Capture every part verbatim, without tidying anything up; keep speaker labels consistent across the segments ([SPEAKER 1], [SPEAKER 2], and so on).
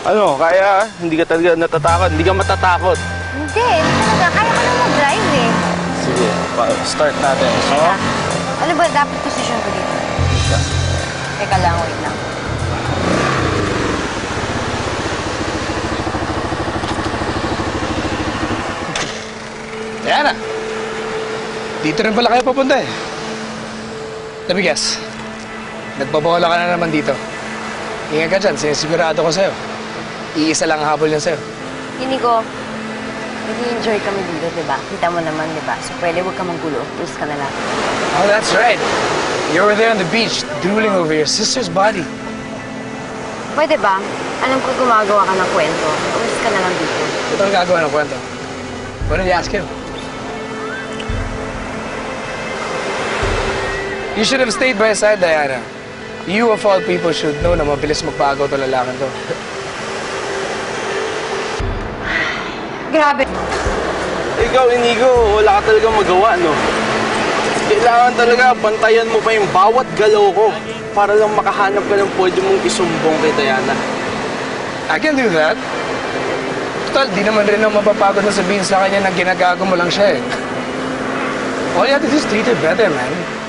[SPEAKER 1] Ano, kaya hindi ka talaga natatakot, hindi ka matatakot.
[SPEAKER 2] Hindi, hindi talaga. Kaya ko na mag-drive eh.
[SPEAKER 1] Sige, pa- start natin.
[SPEAKER 2] Teka. Ano ba dapat posisyon ko dito? Teka lang, wait lang.
[SPEAKER 3] Diana! Dito rin pala kayo papunta eh. Let me guess. Nagbabola ka na naman dito. Ingat ka dyan, sinisigurado ko sa'yo. Iisa lang ang habol niya sa'yo.
[SPEAKER 2] Hindi ko, nag-enjoy kami dito, di ba? Kita mo naman, di ba? So pwede huwag ka manggulo. Please ka na lang.
[SPEAKER 3] Oh, that's right. You were there on the beach, drooling over your sister's body.
[SPEAKER 2] Pwede ba? Alam ko gumagawa ka ng kwento. Please ka na lang dito.
[SPEAKER 3] Ito ang gagawa ng kwento. What did you ask him? You should have stayed by his side, Diana. You, of all people, should know na mabilis magpagaw to lalakan to.
[SPEAKER 2] Grabe.
[SPEAKER 1] Ikaw, Inigo, wala ka talaga magawa, no? Kailangan talaga bantayan mo pa yung bawat galaw ko para lang makahanap ka ng pwede mong isumbong kay Diana.
[SPEAKER 3] I can do that. Total, di naman rin ako mapapagod na sabihin sa kanya na ginagago mo lang siya eh. All you have to do is treat her better, man.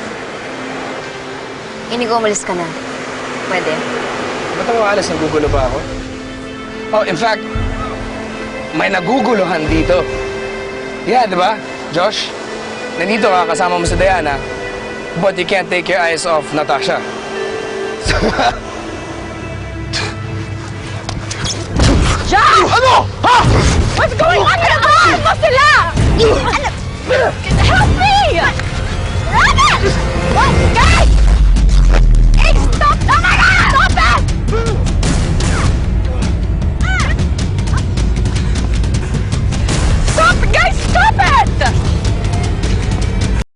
[SPEAKER 2] Inigo, umalis ka na. Pwede.
[SPEAKER 3] Ba't ako alas? Nagugulo pa ako? Oh, in fact, may naguguluhan dito. Yeah, di ba, Josh? Nandito ka, kasama mo si Diana, but you can't take your eyes off Natasha.
[SPEAKER 2] Josh!
[SPEAKER 3] Ano? Ha?
[SPEAKER 2] What's going on? Ano mo sila? Ano? Help me! Rabbit! What? Guys!